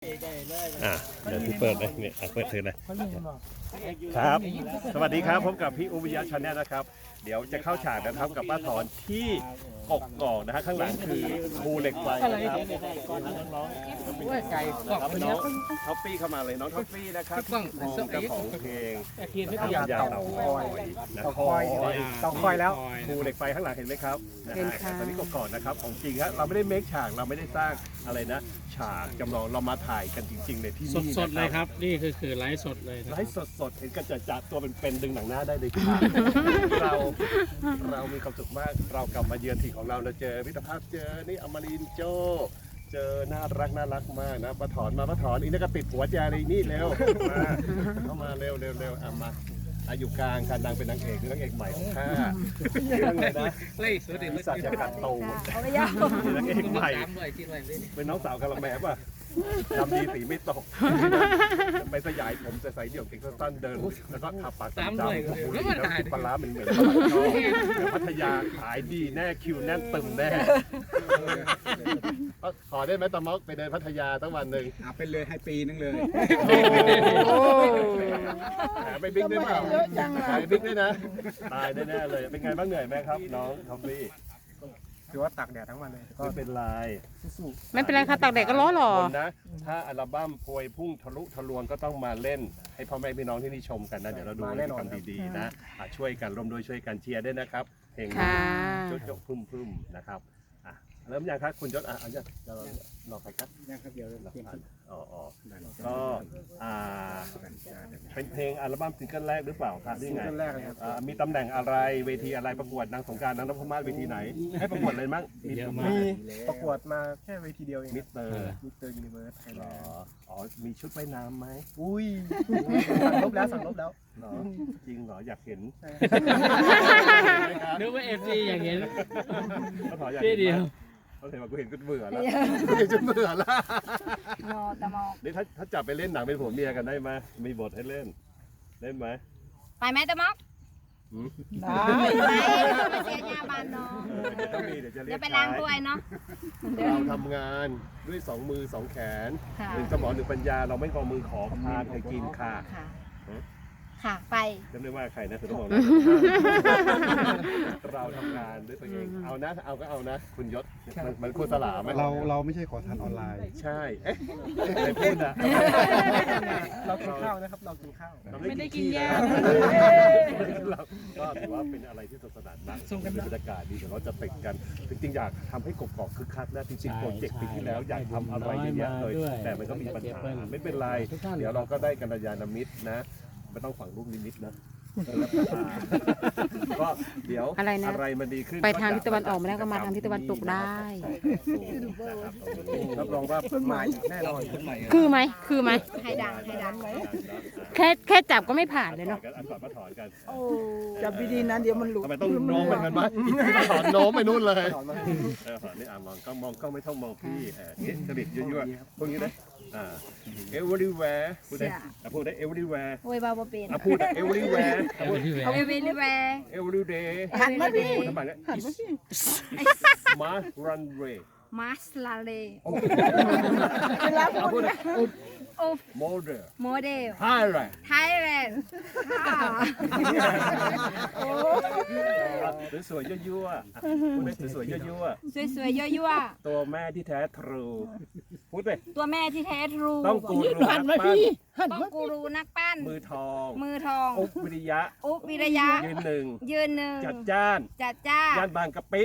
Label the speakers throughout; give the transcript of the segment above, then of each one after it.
Speaker 1: เดี๋ยวพี่เปิดเลยเนี่ยเปิดถือเลยครับสวัสดีครับพบกับพี่อุบวิยะชาแนลนะครับเดี๋ยวจะเข้าฉากกันครับกับป้าถอนที่กกอกนะฮะข้างหลังคือภูเหล็กไฟนะครับน้องๆไก่นะครับน้องท็อปปี้เข้ามาเลยน้องท็อปปี้นะครับเจ้าของเพลงยาเต่าคอยนะคอยเต่าคอยแล้วภูเหล็กไฟข้างหลังเห็นไหมครับนะฮะตอนนี้กกอกนะครับของจริงครับเราไม่ได้เมคฉากเราไม่ได้สร้างอะไรนะฉากจำลองเรามาถ่ายกันจริงๆในที่นี่
Speaker 2: สดๆเลยครับนี่คือไลฟ์สดเลย
Speaker 1: ไลฟ์สดๆเห็นกันจัดตัวเป็นดึงหนังหน้าได้เลยครับเรามีความสุขมากเรากลับมาเยือนถิ่นของเราเจอมิตรภาพเจอนี่อมรินโจเจอน่ารักมากนะป้าถอนอีกนี่ก็ติดหัวใจเลยนี่เร็วมาเข้ามาเร็วมาอยู่กลางการดังเป็นนางเอกใหม่ของข้าเรื่องเลยนะสัตว์จะกัดโตนางเอกใหม่เป็นน้องสาวกะละแมป่ะทำดีสีไม่ตกไปสยายผมจะใส่เดี่ยวเก่งสั้นเดินแล้วก็ขับปากจำแล้วกินปลาเหมือนพัทยาขายดีแน่คิวแน่นตึมแน่ขอได้ไหมตะม็อกไปเดินพัทยาตั้งวันหนึ่ง
Speaker 3: ไปเลยให้ปีนึงเลย
Speaker 1: ไปบิ๊กได้เปล่าไปบิ๊กได้นะตายแน่เลยเป็นไงบ้างเหนื่อยไหมครับน้องทอมบี้
Speaker 3: ถือว่าตากแดดทั้งวันเลย
Speaker 1: ไม่เป็นไร
Speaker 4: ไม่เป็นไรค่ะตากแดดก็ร้อนหรอ
Speaker 1: นะถ้าอัลบั้มพวยพุ่งทะลุทะลวงก็ต้องมาเล่นให้พ่อแม่พี่น้องที่นี่ชมกันนะเดี๋ยวเราดูกิจกรรมดีๆนะช่วยกันร่วมด้วยช่วยกันเชียร์ด้วยนะครับเพลงโจ๊กพึ่มนะครับเริ่มยังครับคุณยศเอาจะรอใครครับ
Speaker 3: ยังครับเดี๋ยว
Speaker 1: ก็เป็นเพลงอัลบั้มซิงเกิลแรกหรือเปล่าครับนี่ไงมีตำแหน่งอะไรเวทีอะไรประกวดนางสงกรานต์นางนพมาศเวทีไหนให้ประกวดเลยมั้ง
Speaker 3: มีประกวดมาแค่เวทีเดียวเอง
Speaker 1: มิสเตอร์
Speaker 3: ยูนิเวิร์สไทยแลนด์
Speaker 1: มีชุดว่ายน้ำไหม
Speaker 3: อุ้ยสั่งลบแล้ว
Speaker 1: จริงเหรออยากเห็น
Speaker 2: นึกว่าFGอย่างเงี้ย
Speaker 1: พี่เดียวเขาเห็นว่ากูเห็นก็เบื่อแล้วเห็นจนเบื่อแล้วนี่ถ้าจับไปเล่นหนังเป็นผัวเมียกันได้ไหมมีบทให้เล่นไหม
Speaker 4: ไปไหมตะม็อก
Speaker 1: ได้
Speaker 4: เสียยาบานเนาะ
Speaker 1: ต้องมีเดี๋ยวจะเรียก
Speaker 4: ไปล้างถ้วยเนาะ
Speaker 1: เราทำงานด้วย2 มือ 2 แขน1 สมอง 1 ปัญญาเราไม่ขอมือขอทานให้กินค่ะ
Speaker 4: ไป
Speaker 1: จำได้ว่าใครนะคุณต้องบอกนะเราทำงานด้วยตัวเองเอานะเอาก็เอานะคุณยศมันโฆษณาไหม
Speaker 3: เราไม่ใช่ขอทานออนไลน์
Speaker 1: ใช่ใครพูดนะ
Speaker 3: เรากินข้าวนะครับเรากินข้าว
Speaker 4: ไม่ได้กินยา
Speaker 1: ก็ถือว่าเป็นอะไรที่สนุกสนานมากเป็นบรรยากาศดีแต่เราจะติดกันจริงๆอยากทำให้กกอกคึกคักนะจริงๆโปรเจกต์ปีที่แล้วอยากทำอะไรเยอะแยะเลยแต่มันก็มีปัญหาไม่เป็นไรเดี๋ยวเราก็ได้กัลยาณมิตรนะไม่ต้องฝังลูกนิมิตนะก็เดี๋ยวอะไรมันดีขึ้น
Speaker 4: ไปทางทิศตะวันออกมาแล้วก็มาทางทิศตะวันตกได้
Speaker 1: รับรองว่ามาแน่นอน
Speaker 4: คือไหมให้ดังไหมแค่จับก็ไม่ผ่านเลยเนาะ
Speaker 1: มาถอนกัน
Speaker 3: จับดีๆนะเดี๋ยวมันหลุด
Speaker 1: ทำไมต้องโน้มไปกันบ้างถอนโน้มไปนู่นเลยนี่มองก็ไม่ต้องมองพี่จริตยั่วๆพวกนี้นะeverywhere พูดได้ everywhere
Speaker 4: โอ้ยบ้าบ่เป็น
Speaker 1: พูดได้ everywhere every day
Speaker 4: หันมาดิ
Speaker 1: ทำไมเนี่ย Mars runway
Speaker 4: Mars runway
Speaker 1: พูดได้ model
Speaker 4: Thailand
Speaker 1: สวยๆยั่วๆพูดได้สวยๆยั่วๆตัวแม่ที่แท้ทรูพูดไป
Speaker 4: ตัวแม่ที่แท้ทรู
Speaker 1: ต้องกูรูนักปั้
Speaker 4: น
Speaker 1: มือทอง
Speaker 4: อุบวิริยะยืนหนึ่งจัดจ้านย่านบางกะปิ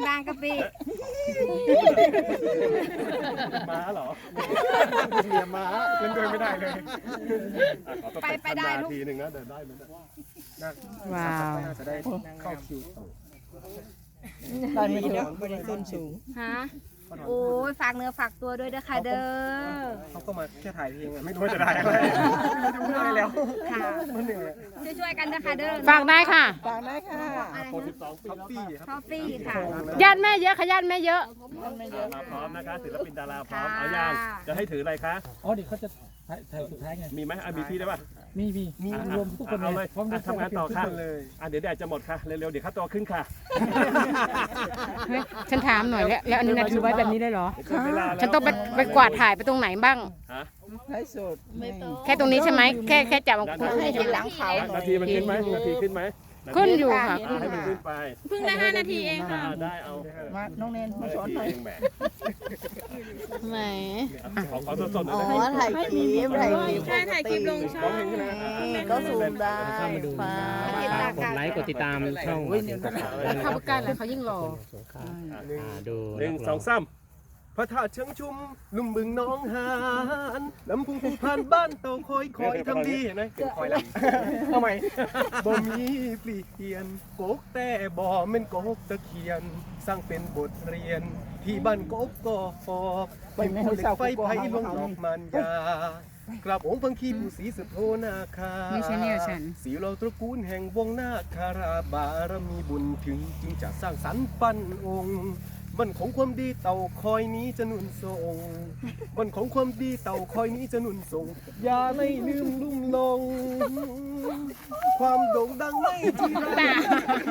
Speaker 1: ม้าเหรอ
Speaker 3: เมียม้าเล่นด้วยไม่ได้เลย
Speaker 1: ไปได้ทีหนึ่งนะเดินได้ไหม
Speaker 4: ว้าว
Speaker 3: จะได้เข้าคิว
Speaker 4: ตอนนี้เนาะบริสุทธิ์สูงฮะโอ้ยฝากเนื้อฝากตัวด้วยเด้อค่ะเด้อ
Speaker 3: เขาก็มาแค่ถ่ายเพลงไม่รู้จะได้อะไรไม่รู้อะไรแล้ว
Speaker 4: ค่ะ
Speaker 3: มันเหนื่อย
Speaker 4: ช่วยๆกันนะคะเด้อ
Speaker 5: ฝากได้ค่ะ
Speaker 3: ฝากได้ค่ะ
Speaker 4: อะไร
Speaker 1: โปร
Speaker 4: นะ
Speaker 1: 12 ปีแล้วค่ะ
Speaker 4: ทอฟฟี่ค่ะ
Speaker 5: ญาติแม่เยอะค่ะญาติแม่เยอะ
Speaker 1: มาพร้อมนะคะศิลปินดาราพร้อมเอาอย่างจะให้ถืออะไรคะ
Speaker 6: อ๋อเดี๋ยวเขาจะถ่ายสุดท้ายไง
Speaker 1: มีไหมมีพี่ได้ป่ะ
Speaker 6: มีรวมทุกคน
Speaker 1: เอาเลย
Speaker 6: พร้อมด้วย
Speaker 1: ทำงานต่อค่ะ
Speaker 3: ทุกคนเลย
Speaker 1: เดี๋ยวแดดจะหมดค่ะ เร็วๆ เดี๋ยวค่าตัวขึ้นค่ะ
Speaker 5: เฮ้ยฉันถามหน่อยแล้วอันนี้นะถือไว้แบบนี้ได้เหรอ
Speaker 1: ขึ้นเวลาแล้ว
Speaker 5: ฉันต้องไปกวาดถ่ายไปตรงไหนบ้าง
Speaker 1: ฮะ
Speaker 3: ไลฟ์สด
Speaker 5: แค่ตรงนี้ใช่ไหมแค่จับ
Speaker 3: ให้เห็นหลังเขาหน่อย
Speaker 1: นาทีมันขึ้นไหมนาทีขึ้นไหม
Speaker 5: ขึ้นอยู่ค่ะ
Speaker 1: ให้มันขึ้นไป
Speaker 5: เพิ่งได้5 นาทีเองค่ะ
Speaker 1: ได้เอา
Speaker 3: มาน้องแนนมาสอนหน่อย
Speaker 1: เองแหม
Speaker 5: ไหน
Speaker 1: ขอสดๆหน่อย
Speaker 3: อ๋อ
Speaker 1: ได้ไหม
Speaker 3: ถ่ายคลิปถ่ายคลิป
Speaker 5: ใช่ถ่ายคลิปลงช่อง
Speaker 1: ร้องเพลงขึ้นนะ
Speaker 3: ก็ซูมได้
Speaker 2: เข้ามาดูฝากกดไลค์กดติดตามช่องมาถึงกดติดตามด้วยนะค
Speaker 5: เขา
Speaker 2: รับ
Speaker 5: ประกันแล้วเขายิ่งรอ
Speaker 2: สงขลาดู
Speaker 1: หนึ่งสองสามพระธาตุเชิงชุมลุ่มบึงน้องหานลำพุงภูพานบ้านเต่าคอยทำดีเห็นไหมคอยละทำไมบ่มีปลีเทียนโกกแต่บ่แม่นโกกตะเคียน สร้างเป็นบทเรียน ที่บ้านกบก็ฟอกไม่มีคนเหล็กไฟไผ่ลงดอกมันยากราบองค์พังคีผู้ศรีสุโธนาคา
Speaker 5: ไม่ใช่แนวฉัน
Speaker 1: สีเราตระกูลแห่งวงนาคาราบารมีบุญถึงจึงจะสร้างสรรค์ปั้นองค์วันของความดีเต่าคอยนี้จะหนุนส่งวันของความดีเต่าคอยนี้จะหนุนส่ง อย่าไม่ลืมลุ่มลง ความโด่งดังไม่จีรัง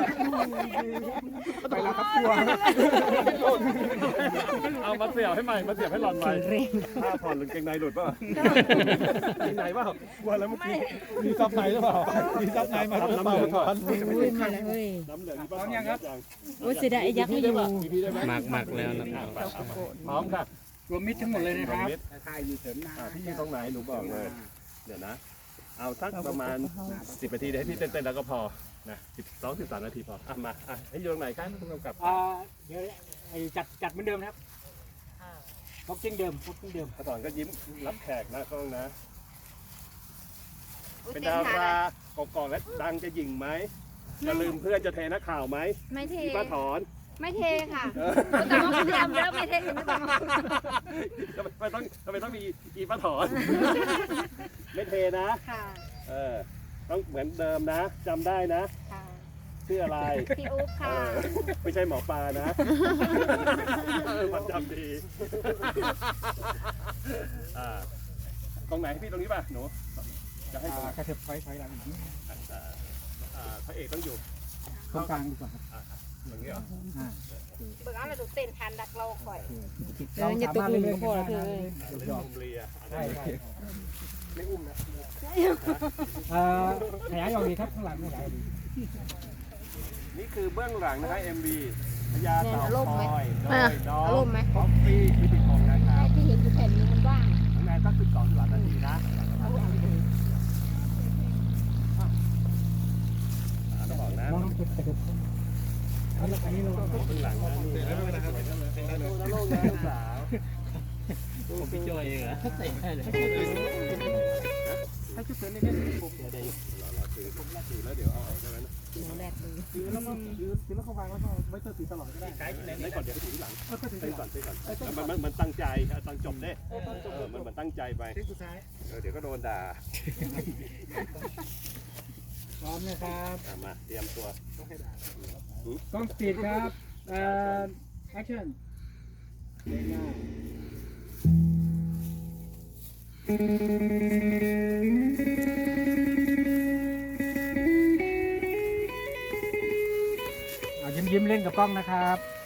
Speaker 1: ไปแล้วครับกลัวเอามาเสียบให้ใหม่มาเสียบให้หลอนใหม่ผ้าผ่อนหรือเกงในหลุดป่ะมีไหนเปล่ากลัวแล้วเมื่อกี้
Speaker 6: มีซับในหรือเปล่ามีซับในมา
Speaker 1: น้ำเหลืองก่อน
Speaker 5: อุ้ยมาแล้วเฮ้ย
Speaker 1: น้ำเหลืองพร้อมยังครับ
Speaker 5: โอ้ยเสียดายไอ้ยักษ์ไม่อยู่
Speaker 2: หมักแล้วนะครับ
Speaker 1: พร้อมค่ะ
Speaker 6: รวมมิตรทั้งหมดเลยนะครับ
Speaker 3: ถ่ายอยู่เถินหน้า
Speaker 1: พี่ยืนตรงไหนหนูบอกเลย เดี๋ยวนะ เอาสักประมาณ 10 นาทีเดี๋ยวให้พี่เต้นๆแล้วก็พอนะ12-13 นาทีพอมาให้อยู่ตรงไหนครับผู้กำกับ
Speaker 6: เดี๋ยวไอ้จัดเหมือนเดิมนะครับบ็อกกิ้งเดิมบ็อกกิ้งเดิม
Speaker 1: พระสอนก็ยิ้มรับแขกนะกล้องนะ
Speaker 4: อุ๊ย
Speaker 1: เป็น
Speaker 4: เต้น
Speaker 1: ดา
Speaker 4: ท่
Speaker 1: ราเกาะๆและดังจะหยิ่งไหมจะลืมเพื่อนจะเทนักข่าวไหม
Speaker 4: ไม่เท
Speaker 1: พี่ป้าถอน
Speaker 4: ไม่เทค่ะแต่ว่าคุณทำเยอะไม่เทไม่ต้องมา
Speaker 1: ทำไมต้องมีอีป้าถอน ไม่เทนะ
Speaker 4: ค่ะ
Speaker 1: ต้องเหมือนเดิมนะจำได้นะ
Speaker 4: ค่ะ
Speaker 1: ชื่ออะไร
Speaker 4: พี่อุ๊บค่ะ
Speaker 1: ไม่ใช่หมอปลานะ มันจำดีตรงไหนพี่ตรงนี้ป่ะหนูจะให้ตรงไหน
Speaker 6: กระเถิบไฟหลังอีกนิด
Speaker 1: พระเอกต้องอยู่
Speaker 6: ตรงกลางดีกว่าครับ
Speaker 1: ตรงนี้เหรอ
Speaker 4: เบิกเอาเลยดูเต้นทันดักเราก่อย
Speaker 6: เราสามารถเล่นๆกันได้นะ
Speaker 1: อุ้มเรีย
Speaker 6: ใช่ใช่
Speaker 1: ไม่อุ้มนะ
Speaker 6: ขยายออกดีครับข้างหลังขยายออกดี
Speaker 1: นี่คือเบื้องหลังนะครับ MV พญาเต่า
Speaker 4: เนี่ยอารมณ์ไหม
Speaker 1: คอยโดยน้อ
Speaker 4: อาร
Speaker 1: ง
Speaker 4: มณ์ไหม
Speaker 1: คอฟฟี่พิพิธภัณฑ์นะครับ
Speaker 4: ที่เห็นอยู่แผ่นนี้มันว่าง
Speaker 1: น้องแนนก็คือ2-3 นาทีนะต้องบอกนะ
Speaker 6: มองน้ำจุดกระเถิบอันนี้เรา
Speaker 1: เบื้องหลังนะนี่นะโลกนะลูกสาว
Speaker 2: ผมพี่โจเองเหรอใส่ให้เลย
Speaker 3: ถ้าชุดเถินเล่นๆผม
Speaker 1: ถือแล้วเดี๋ยวเอาออกใช่ไหมนะ
Speaker 3: ถือแล้วก็ถือแล้วเขาวางแล้วก็ไว้เธอถือตลอดก็ได้
Speaker 1: ได้ก่อนเดี๋ยวไปถือหลังไปก่อนมันตั้งใจตอนจบเด้มันตั้งใจไป
Speaker 3: สุดท้าย
Speaker 1: เดี๋ยวก็โดนด่า
Speaker 6: พร้อมนะครับ
Speaker 1: มาเตรียมตัว
Speaker 6: กล้องสปีดครับแอคชั่นยิ้มเล่นกับกล้องนะครับ